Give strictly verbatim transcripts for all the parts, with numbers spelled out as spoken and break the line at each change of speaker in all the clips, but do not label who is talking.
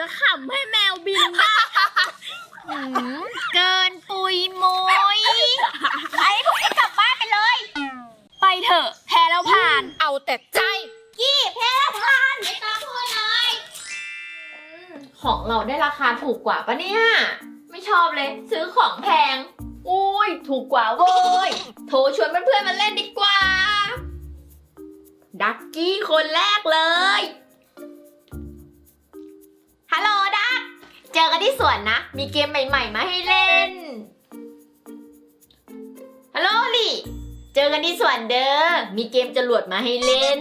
จะขำให้แมวบินได้เกินปุยมุยไอ้พวกเอ็งกลับบ้านไปเลยไปเถอะแพ้แล้วผ่าน
เอาแต่ใจ
กี้แพ้แล้วผ่านไม่ต้องพูดเลยของเราได้ราคาถูกกว่าปะเนี่ยไม่ชอบเลยซื้อของแพงอุ้ยถูกกว่าเว้ยโทรชวนเพื่อนๆมาเล่นดีกว่าดักกี้คนแรกเลยฮัลโหลดักเจอกันที่สวนนะมีเกมใหม่ๆมาให้เล่นฮัลโหลลี่เจอกันที่สวนเด้อมีเกมจรวดมาให้เล่น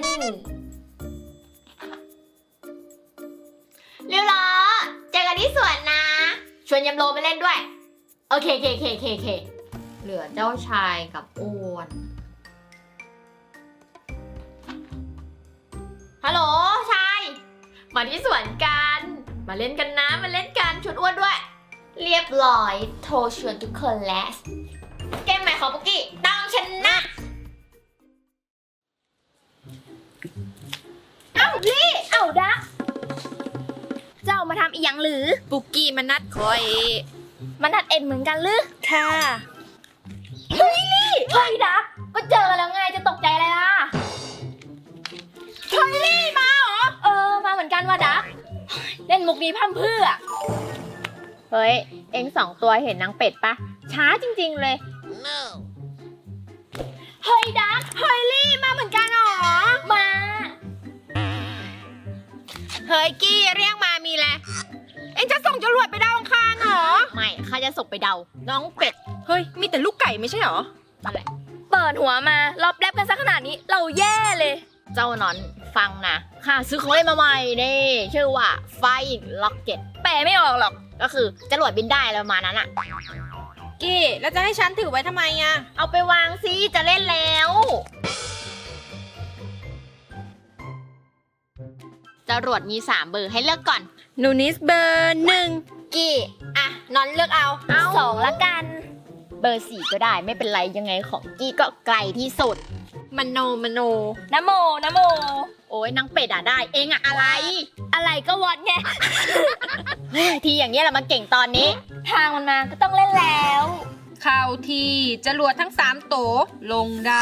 เรียวล้อเจอกันที่สวนนะชวนยำโลมาเล่นด้วยโอเคเคเคเคเคเหลือเจ้าชายกับอ้วนฮัลโหลชายมาที่สวนกันมาเล่นกันนะมาเล่นกันชวนอ้วนด้วยเรียบร้อยโทรชวนทุกคนแล้วเกมใหม่ของปุกกี้ต้องชนะเอ้าลี่เอ้าดักเจ้ามาทำอีหยังหรือ
ปุกกี้มันนัดคอย
มันนัดเอ็นเหมือนกันหรือ
ค่ะ
เฮ้ยลี่เฮ้ยดักก็เจอกันแล้วไงจะตกใจอะไรล่ะ
เฮ้ยลี่มาเหรอ
เออมาเหมือนกันว่ะดักเล่นมุกนี้พั่มเพื่อเฮ้ยเอ็งสองตัวเห็นนางเป็ดปะช้าจริงๆเลย no. เฮ้ยดักเฮ้ยลี่มาเหมือนกันหรอมา
เฮ้ยกี้เรียกมามีแหละเอ็งจะส่งจรวดไปดาวอังคารเหรอ
ไม่ข้าจะส่งไปเดาน้องเป็ด
เฮ้ยมีแต่ลูกไก่ไม่ใช่เหรอ
อะไรเปิดหัวมารอบแรบกันซะขนาดนี้เราแย่เลยเจ้านอนฟังนะข้าซื้อของเล่นมาใหม่นี่ชื่อว่าไฟล็อกเก็ตแปลไม่ออกหรอกก็คือจรวดบินได้แล้วมานั้นอะ
กี้แล้วจะให้ฉันถือไว้ทำไมอะ
เอาไปวางซิจะเล่นแล้วจรวดมีสามเบอร์ให้เลือกก่อน
นูนิสเบอร์หนึ่ง
กี้อ่ะนอนเลือกเอาเอาสองละกันเบอร์สี่ก็ได้ไม่เป็นไรยังไงของกี้ก็ไกลที่สุด
มโนมโน
นะโมนะโมโอ้ยนางเป็ดอ่ะได้เองอะอะไรอะไรก็วัดไง ทีอย่างเงี้ยแหละมาเก่งตอนนี้ทางมันมาก็ต้องเล่นแล้ว
เข้าที่จรวดทั้งสามโตลงได้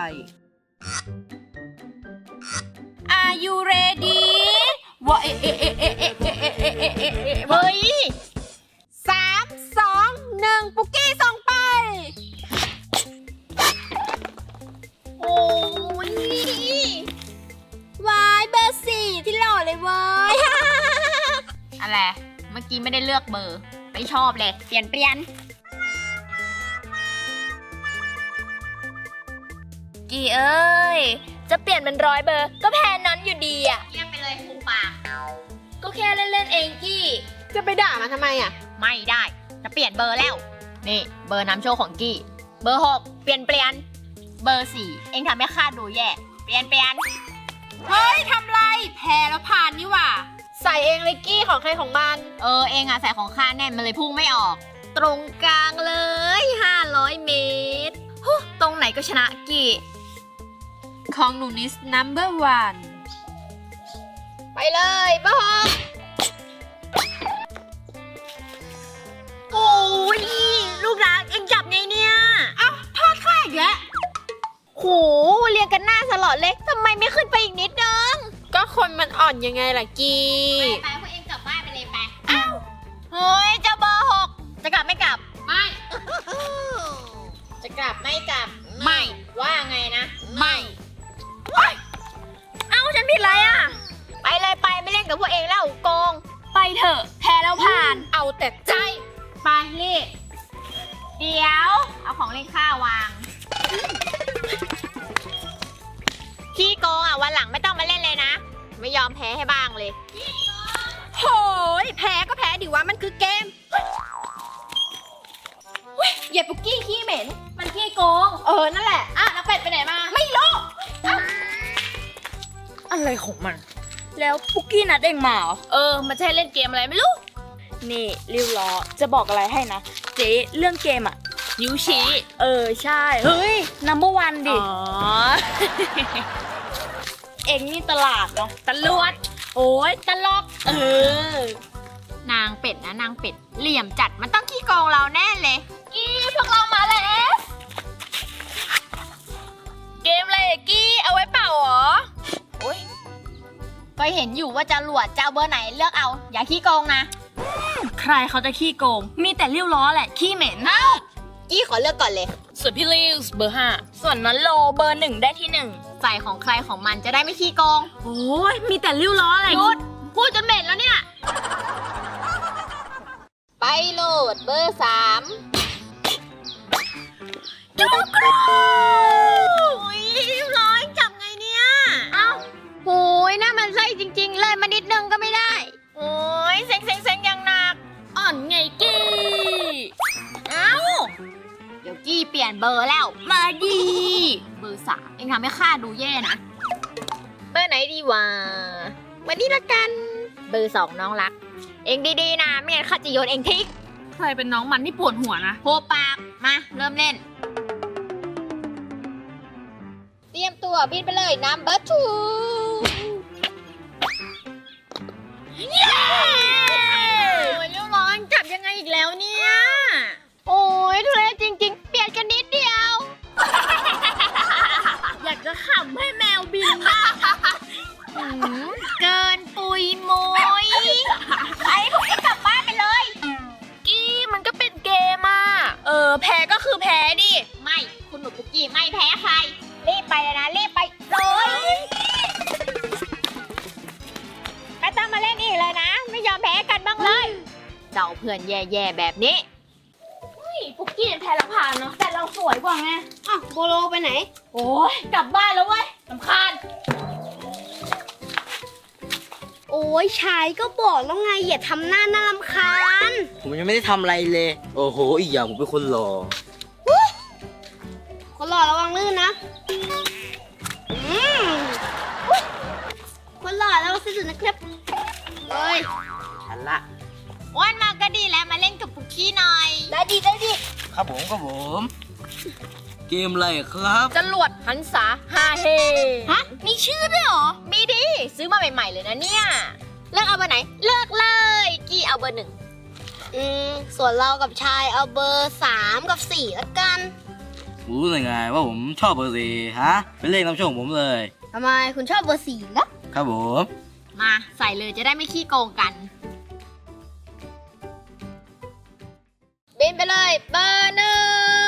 Are you ready ว่าเอ๊ะเอ๊ะเอ๊ะเอ๊ะเอ๊ะเอ๊ะเอ๊ะเอ๊ะเอ๊ะเอ๊ะเอ๊ะ
เฮ้ย
สามสองหนึ่งปุกกี้ส่งไป
โอ้ยวายเบอร์สี่ที่หล่อเลยเว้ย อะไรเมื่อกี้ไม่ได้เลือกเบอร์ไม่ชอบเลยเปลี่ยนเปลี่ยนกี่เอ้ยจะเปลี่ยนเป็นร้อยเบอร์ก็แพ้นั้นอยู่ดีอ่ะเยี่ยมไปเลยครูปากก็แค่เล่นๆเองกี้
จะไปด่ามันทำไมอ่ะ
ไม่ได้จะเปลี่ยนเบอร์แล้วนี่เบอร์น้ำโชคของกี้เบอร์หกเปลี่ยนเปลี่ยนเบอร์สี่เองทำให้ข้าดูแย่เปลี่ยนเปลี่ยน
เฮ้ยทำไรแพ้แล้วผ่านนี่หว่าใส่เองเลยกี้ของใครของมัน
เออเองอ่ะใส่ของข้าแน่นมันเลยพุ่งไม่ออกตรงกลางเลยห้าร้อยเมตรตรงไหนก็ชนะกี้
ของหนูนิส นัมเบอร์วัน
ไปเลยเบอร์หกโอ้ยลูกรักเอ็งจับไงเนี่ย
เอ้าทอดข้าอีกแล้ว
โหเรียงกันหน้าสลอดเลยทำไมไม่ขึ้นไปอีกนิดนึง
ก็คนมันอ่อนยังไงล่ะกี
ไปพวกเอ็งกลับบ้านไปเลยไปเอ้าเฮ้ยเจ้าเบอร์หกจะกลับไม่กลับ
ไม่
จะกลับไม่กลับ
ไม่
ว่าไงนะ
ไม่
เอ้าฉันผิดอะไรอ่ะไปเลยไปไม่เล่นกับพวกเองแล้วโกงไปเถอะแพ้แล้วผ่าน
เอาแต่ใจ
ไปลี่เดี๋ยวเอาของเล่นข้าวางขี้โกงอ่ะวันหลังไม่ต้องมาเล่นเลยนะไม่ยอมแพ้ให้บ้างเลย
โหยแพ้ก็แพ้ดิวะมันคือเกมอย่าปุกกี้ขี้เหม็น
มันขี้โกง
เออนั่นแหละ
อ่ะน้าเป็ดไปไหนมา
ไม่รู้อะไรของมัน
แล้วปุกกี้นัดเองมาเหรอเออมันใช่เล่นเกมอะไรไม่รู้
นี่ริวล้อจะบอกอะไรให้นะเจ๊เรื่องเกมอะ
ยูชิ
เออใช่เฮ้ยนัมเบอร์วันดิ
อ๋อ
เอ็งนี่ตลาดเนาะ
ตลวดโอ้ยตลก
เออ
นางเป็ดนะนางเป็ดเหลี่ยมจัดมันต้องขี้โกงเราแน่เลยกี้พวกเรามาแล้ว
เกมอะไรอะกี้เอาไว้เปล่าเหรอ
ก็เห็นอยู่ว่าจะหลวดจะเอาเบอร์ไหนเลือกเอา อย่าขี้โกงนะ
ใครเขาจะขี้โกง มีแต่ริ้วล้อแหละขี้เหม็น
กี้ขอเลือกก่อนเลย
ส่วนพี่ลิวส์เบอร์ห้าส่วนนั้นโลเบอร์หนึ่งได้ที่หนึ่ง
ใส่ของใครของมันจะได้ไม่ขี้โกง
โอ้ยมีแต่ริ้วล้ออะไร
หยุดพูดจนเหม็นแล้วเนี่ย ไปโหลดเบอร์สามจุกรูโอ้ยร้อยจับไงเนี่ย เอ้าโหยน่ามันไส้จริงๆ เลยมานิดนึงก็ไม่ได้
โอ้ยเซ็งเซ็งเซ็งยังหนัก อ่อนไงกี้
เอ้า เดี๋ยวกี้เปลี่ยนเบอร์แล้ว
มาดี
เบอร์สามเองทำให้ข้าดูแย่นะ เบอร์ไหนดีวะวันนี้ละกัน เบอร์สองน้องรัก เองดีๆนะไม่งั้นข้าจะโยนเองทิ้ง
ใครเป็นน้องมันที่ปวดหัวนะ
โหปาก มา เริ่มเล่น เตรียมตัวบินไปเลย number two เย้โอ้ยเรียบร้อยจับยังไงอีกแล้วเนี่ย โอ้ยทุเรศจริงๆ เปลี่ยนกันนิดเดียว
อยากจะขำให้แมวบินบ้าง
หืมเกินปุยมุยไอ้พวกนี้กลับบ้านไปเลย
กี้มันก็เป็นเกมอ่ะ เออ แพ้ก็คือแพ้ดิ
ไม่ คุณหนูปุกกี้ไม่แพ้ใคร รีบไปเลยนะ รีบไปเลย ไม่ต้องมาเล่นอีกเลยนะ ไม่ยอมแพ้กันบ้างเลยเจ้าเพื่อนแย่ๆแบบนี้
ปุกกี้แพ้ละผ่านเนาะ แต่เราสวยกว่าไง
อ้าวโบโลไปไหน
โอ้ยกลับบ้านแล้วเว้ยสำคัญ
โอ้ยชายก็บอกแล้วไงอย่าทำหน้าน่ารำคาญ
ผมยังไม่ได้ทำอะไรเลย โอ้โห อีกอย่างผมเป็นคนหล่อ
คนหล่อระวังลื่นนะอืมคนหล่อระวังสุดๆนะครับเฮ้ย
ฉันละ
อ้วนมาก็ดีแล้วมาเล่นกับปุกกี้หน่อย
ได้ดีได้ดี
ครับผมครับผม เกมอะไรครับ
จรวดหันษาฮาเฮ
ฮะ มีชื่อด้วยเหรอ
มีดิ ซื้อมาใหม่ๆเลยนะเนี่ย เลือกเอาเบอร์ไหน เลือกเลย กี้เอาเบอร์หนึ่ง
อืม ส่วนเรากับชายเอาเบอร์สามกับสี่ละกัน
รู้ได้ไงว่าผมชอบเบอร์สี่ฮะ เป็นเลขนำโชคของผมเลย
ทำไมคุณชอบเบอร์สี่ล่ะ
ครับผม
มาใส่เลยจะได้ไม่ขี้โกงกัน บินไปเลย เบอร์หนึ่ง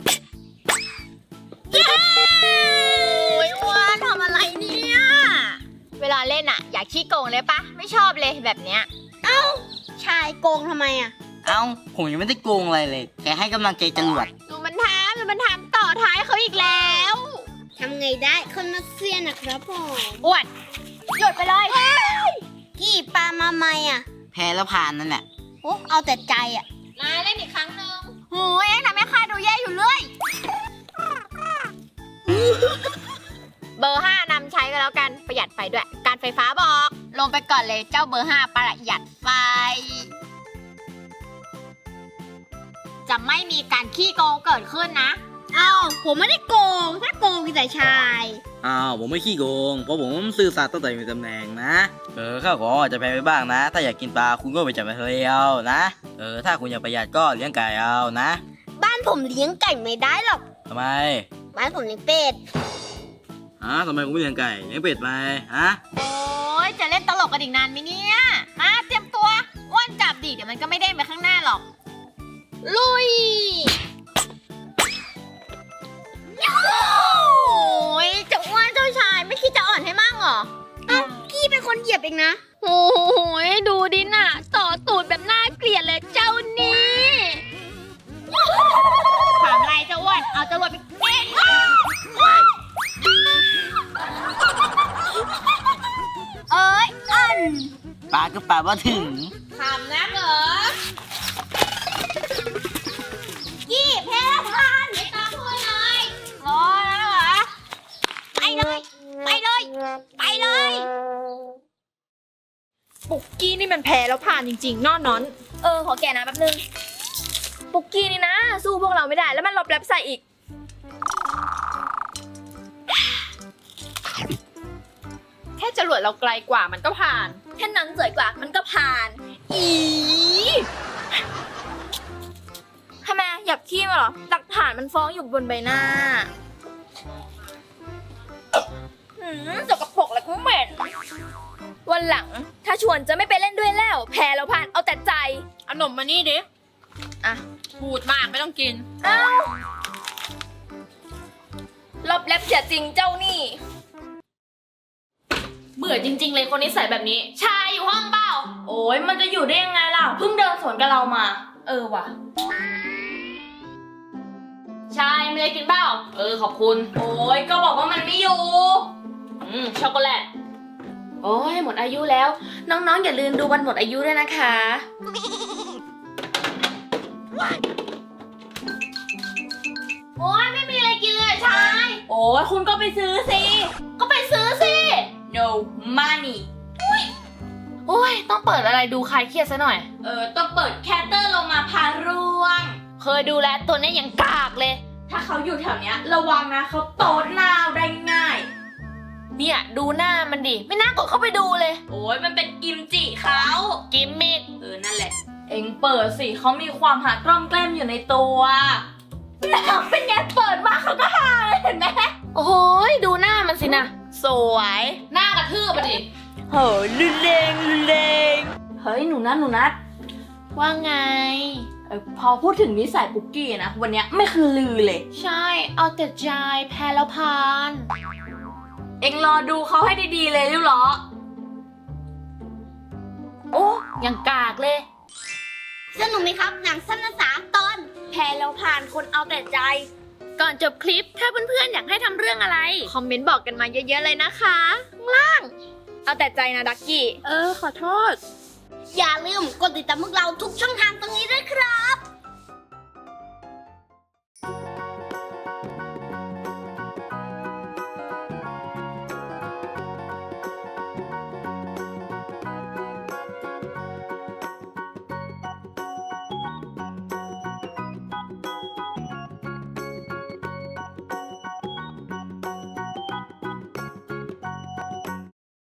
เย้โอ้ยอ้วนทำอะไรเนี่ย เวลาเล่นอะอยากขี้โกงเลยปะ ไม่ชอบเลยแบบเนี้ย
ชายโกงทำไมอ่ะ
เอ้า ผมยังไม่ได้โกงอะไรเลย แค่ให้กำลังใจจรวด
ดูมันทำดูมันทำต่อท้ายเขาอีกแล้ว
ทำไงได้คนมาเซียนนะครับผม
อ้วนหยุดไปเลย
กี่ปลามาใหม่อ่ะ
แพ้แล้วผ่านนั่นแหละ
โอ้เอาแต่ใจอ่ะ
มาเล่นอีกครั้งหนึ่งโอ้ยทำให้ข้าดูแย่อยู่เลย เบอร์ห้านำใช้ก็แล้วกัน ประหยัดไฟด้วย การไฟฟ้าบอก ลงไปก่อนเลยเจ้าเบอร์ห้าประหยัดไฟ จะไม่มีการขี้โกงเกิดขึ้นนะ
เอ้าผมไม่ได้โกง ถ้าโกงมีแต่ชาย
อ้าว ผมไม่ขี้โกง เพราะผมซื่อสัตย์ตั้งแต่มีตำแหน่งนะ เออ ข้าวของอาจจะแพ้ไปบ้างนะ ถ้าอยากกินปลาคุณก็ไปจับมาทะเลเอานะ เออ ถ้าคุณอยากประหยัดก็เลี้ยงไก่เอานะ
บ้านผมเลี้ยงไก่ไม่ได้หรอก
ทำไม
บ้านผมเลี้ยงเป็ด
ฮะทำไมคุณไม่เลี้ยงไก่เลี้ยงเป็ดไหมฮะ
โอ้ยจะเล่นตลกกันอีกนานไหมเนี่ย มาเตรียมตัวอ้วนจับดิเดี๋ยวมันก็ไม่เด้งไปข้างหน้าหรอก ลุย โอ้ยเจะอ้วนเจ้าชายไม่คิดจะอ่อนให้มั่งเหรอ
เอ้าพี่เป็นคนเหยียบเองนะ
โอ้ยดูดิน่ะ ต่อตูดแบบน่าเกลียดเลยเจ้านี่ถามอะไรเจ้าอ้วนเอาจรวดไปเก่งเอ้ยอัน
ปลาก็ปลาว่าถึง
ถามนะเหรอกี้แพ้ผ่านไม่ต้องพูดเลยรอแล้วเหรอ ไปเลย ไปเลย ไปเลย
ปุกกี้นี่มันแพ้แล้วผ่านจริงๆนอนนอน เออ ขอแกะนะแป๊บนึง ปุกกี้นี่นะ สู้พวกเราไม่ได้ แล้วมันลบแรปใส่อีก
แค่จรวดเราไกลกว่ามันก็ผ่าน
แค่นั้นสวยกว่ามันก็ผ่านอีทำไมอยากขี้มาเหรอ หลักฐานมันฟ้องอยู่บนใบหน้าหืมสกปรกแล้วก็เหม็น วันหลังถ้าชวนจะไม่ไปเล่นด้วยแล้ว แพ้แล้วผ่านเอาแต่ใจ
เอาหนมมานี่ดิ
อ่ะ
พูดมากไม่ต้องกิน
เอ้ารอบแลบเสียจริงเจ้านี่
เบื่อจริงๆเลยคนนิสัยแบบนี้ ชายอยู่ห้องเปล่า โอ้ยมันจะอยู่ได้ยังไงล่ะ เพิ่งเดินสวนกับเรามา เออว่ะ ชายมีอะไรกินเปล่า เออขอบคุณ โอ้ยก็บอกว่ามันไม่อยู่ อืมช็อกโกแลต โอ้ยหมดอายุแล้ว น้องๆอย่าลืมดูวันหมดอายุด้วยนะคะ โอ้ยไม่มีอะไรกินเลยชาย โอ้ยคุณก็ไปซื้อสิ ก็ไปซื้อสิ
no money
โอ้ยต้องเปิดอะไรดูคลายเครียดซะหน่อย
เออต้องเปิดแคตเตอร์ลงมาพาร่วง
เคยดูแลวตัวเนี้ยยังกากเลย
ถ้าเขาอยู่แถวเนี้ยระวังนะเขาโตดนาวได้ง่าย
เนี่ยดูหน้ามันดิ ไม่น่ากดเข้าไปดูเลย
โอ้ยมันเป็นกิมจิเขา
กิมมิก
เออนั่นแหละ เอ็งเปิดสิเขามีความหากล้อมแกล้มอยู่ในตัวน้ำเป็นไงเปิดมาเขาก็หาเลยเห็นไหม
โอ้โหยดูหน้ามันสินะ
สวย
หน้ากระทืบอะดิ
เฮ้ยรุนแรงรุนแรงเฮ้ยหนูนัทหนูนัท
ว่าไง
เออพอพูดถึงนิสัยปุกกี้นะวันเนี้ยไม่คือลือเลย
ใช่ เอาแต่ใจแพ้แล้วพาน
เอ็งรอดูเขาให้ดีๆเลยริ้วล้อ
โอ้ยังกากเลย
สนุกไหมครับหนังสั้นสามตอน
แพ้แล้วผ่านคนเอาแต่ใจ
ก่อนจบคลิปถ้าเพื่อนๆอยากให้ทำเรื่องอะไร
คอมเมนต์บอกกันมาเยอะๆเลยนะคะข้างล่าง เอาแต่ใจนะดักกี้
เออ ขอโทษ
อย่าลืมกดติดตามพวกเราทุกช่องทางตรงนี้